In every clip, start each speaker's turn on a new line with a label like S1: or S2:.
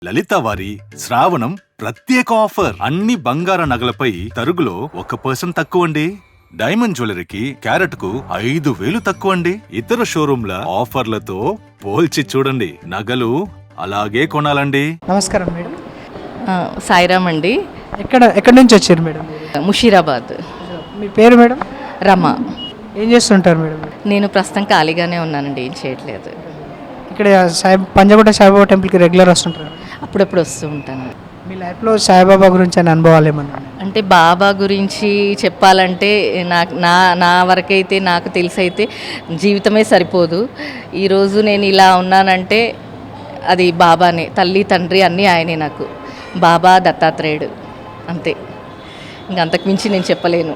S1: లలిత వారి శ్రావణం ప్రత్యేక ఆఫర్. అన్ని బంగార నగలపై తరుగులో 1% తక్కువండి. డైమండ్ జ్యువెలరీకి క్యారెట్ కు 5,000 తక్కువండి. ఇతర షోరూంల ఆఫర్లతో పోల్చి చూడండి. నగలు అలాగే కొనాలండి.
S2: నమస్కారం మేడం.
S3: సాయిరామ్ అండి.
S2: ఎక్కడి నుంచి వచ్చారు మేడం?
S3: ముషీరాబాద్.
S2: మీ పేరు మేడం?
S3: రమ.
S2: ఏం చేస్తుంటారు మేడం?
S3: నేను ప్రస్తుతం ఖాళీగానే ఉన్నానండి, ఏం చేయట్లేదు.
S2: ఇక్కడ పంజాగుట్ట సాయిబాబా టెంపుల్కి రెగ్యులర్ వస్తుంటారు?
S3: అప్పుడప్పుడు వస్తూ ఉంటాను.
S2: మీ లైఫ్లో సాయిబాబా గురించి అని అనుభవాలు ఏమన్నా?
S3: అంటే బాబా గురించి చెప్పాలంటే నా వరకైతే నాకు తెలిసైతే జీవితమే సరిపోదు. ఈరోజు నేను ఇలా ఉన్నానంటే అది బాబానే. తల్లి తండ్రి అన్నీ ఆయనే నాకు. బాబా దత్తాత్రేయుడు అంతే, ఇంకంతకు మించి నేను చెప్పలేను.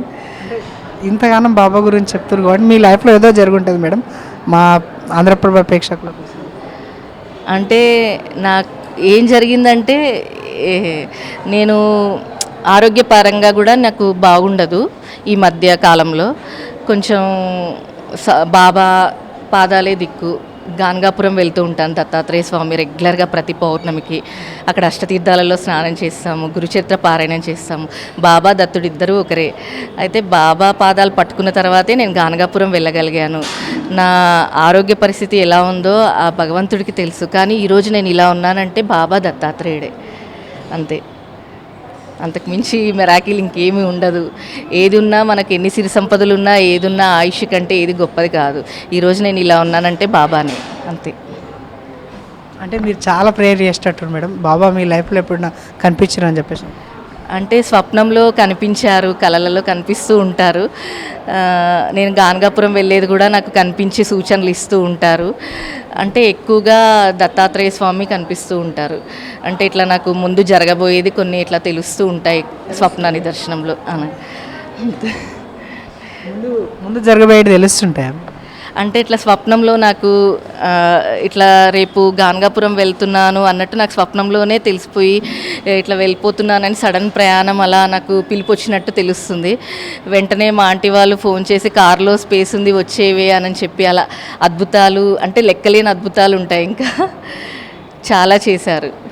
S2: ఇంతగానం బాబా గురించి చెప్తారు కాబట్టి మీ లైఫ్లో ఏదో జరుగుంటుంది మేడం, మా ఆంధ్రప్రభ ప్రేక్షకులకు.
S3: అంటే నాకు ఏం జరిగిందంటే, నేను ఆరోగ్యపరంగా కూడా నాకు బాగుండదు ఈ మధ్య కాలంలో. కొంచెం బాబా పాదాలే దిక్కు. గాన్గాపురం వెళ్తూ ఉంటాను దత్తాత్రేయ స్వామి రెగ్యులర్గా ప్రతి పౌర్ణమికి. అక్కడ అష్టతీర్థాలలో స్నానం చేస్తాము, గురుచరిత్ర పారాయణం చేస్తాము. బాబా దత్తుడు ఇద్దరు ఒకరే. అయితే బాబా పాదాలు పట్టుకున్న తర్వాతే నేను గాన్గాపురం వెళ్ళగలిగాను. నా ఆరోగ్య పరిస్థితి ఎలా ఉందో ఆ భగవంతుడికి తెలుసు. కానీ ఈరోజు నేను ఇలా ఉన్నానంటే బాబా దత్తాత్రేయుడే అంతే, అంతకు మించి మెరాకిల్ ఇంకేమీ ఉండదు. ఏది ఉన్నా మనకి ఎన్ని సిరి సంపదలు ఉన్నా, ఏది ఉన్నా ఆయుష్ కంటే ఏది గొప్పది కాదు. ఈరోజు నేను ఇలా ఉన్నానంటే బాబానే అంతే.
S2: అంటే మీరు చాలా ప్రేయర్ చేసేటట్టు మేడం, బాబా మీ లైఫ్లో ఎప్పుడైనా కనిపించారు అని చెప్పేసి?
S3: అంటే స్వప్నంలో కనిపించారు, కళలలో కనిపిస్తూ ఉంటారు. నేను గాన్గాపురం వెళ్ళేది కూడా నాకు కనిపించి సూచనలు ఇస్తూ ఉంటారు. అంటే ఎక్కువగా దత్తాత్రేయ స్వామి కనిపిస్తూ ఉంటారు. అంటే ఇట్లా నాకు ముందు జరగబోయేది కొన్ని ఇట్లా తెలుస్తూ ఉంటాయి స్వప్న నిదర్శనంలో.
S2: ముందు జరగబోయేది తెలుస్తుంటాయి.
S3: అంటే ఇట్లా స్వప్నంలో నాకు ఇట్లా రేపు గాన్గాపురం వెళ్తున్నాను అన్నట్టు నాకు స్వప్నంలోనే తెలిసిపోయి ఇట్లా వెళ్ళిపోతున్నానని సడన్ ప్రయాణం అలా నాకు పిలుపు వచ్చినట్టు తెలుస్తుంది. వెంటనే మా ఆంటీ వాళ్ళు ఫోన్ చేసి కారులో స్పేస్ ఉంది వచ్చేవే అని చెప్పి అలా అద్భుతాలు, అంటే లెక్కలేని అద్భుతాలు ఉంటాయి, ఇంకా చాలా చేశారు.